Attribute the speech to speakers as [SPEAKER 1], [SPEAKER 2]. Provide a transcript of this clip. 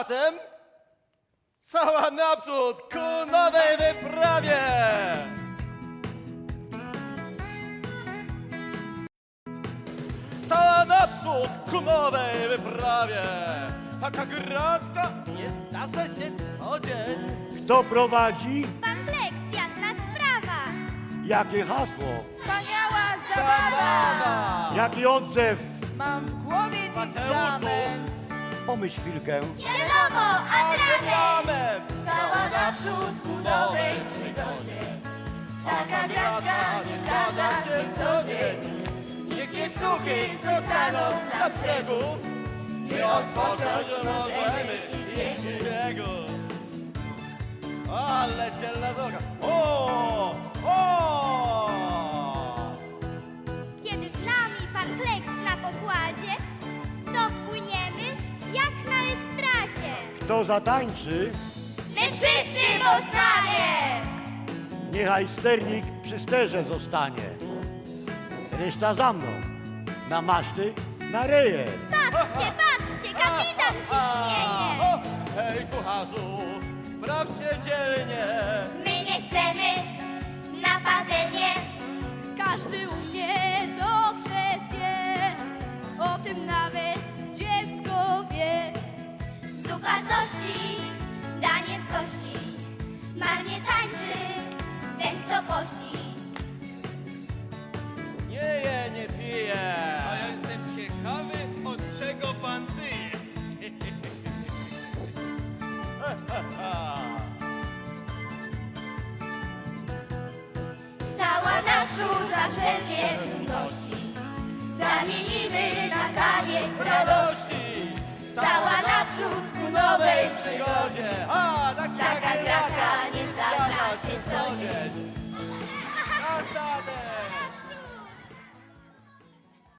[SPEAKER 1] zatem cała naprzód ku nowej wyprawie! Cała naprzód ku nowej wyprawie! Taka gratka nie zdarza się co dzień.
[SPEAKER 2] Kto prowadzi?
[SPEAKER 3] Pan Flex, jasna sprawa.
[SPEAKER 2] Jakie hasło?
[SPEAKER 4] Wspaniała zabawa!
[SPEAKER 2] Jaki odzew?
[SPEAKER 4] Mam w głowie dziś
[SPEAKER 1] Mateuszu.
[SPEAKER 4] zamęt.
[SPEAKER 2] Pomyśl chwilkę.
[SPEAKER 3] Wiadomo, atrament.
[SPEAKER 1] Amen!
[SPEAKER 4] Cała naprzód ku nowej przygodzie. Taka gratka nie zdarza się co dzień.
[SPEAKER 1] Niech piecuchy zostaną na brzegu i odpocząć możemy dzięki niego. Ale dzielna droga! O! O!
[SPEAKER 3] Kiedy z nami pan Flex na pokładzie, to płyniemy jak na estradzie.
[SPEAKER 2] Kto zatańczy?
[SPEAKER 3] My wszyscy w Ostanie!
[SPEAKER 2] Niechaj sternik przy sterze zostanie. Reszta za mną. Na maszty, na reje.
[SPEAKER 3] Patrzcie, patrzcie, kapitan się śmieje.
[SPEAKER 1] O! Hej, kucharzu, spraw się dzielnie.
[SPEAKER 3] My nie chcemy na patelnię.
[SPEAKER 5] Każdy umie dobrze wie, o tym nawet dziecko wie.
[SPEAKER 3] Zupa z ości, danie z kości. Marnie tańczy ten, kto pości.
[SPEAKER 1] Nie je, nie pije. A ja jestem ciekawy, od czego pan tyje.
[SPEAKER 3] Cała naprzód za wszelkie trudności zamienimy na taniec radości. Cała naprzód ku nowej
[SPEAKER 1] Przygodzie. A,
[SPEAKER 3] Taka gratka nie zdarza się co dzień.
[SPEAKER 1] A zatem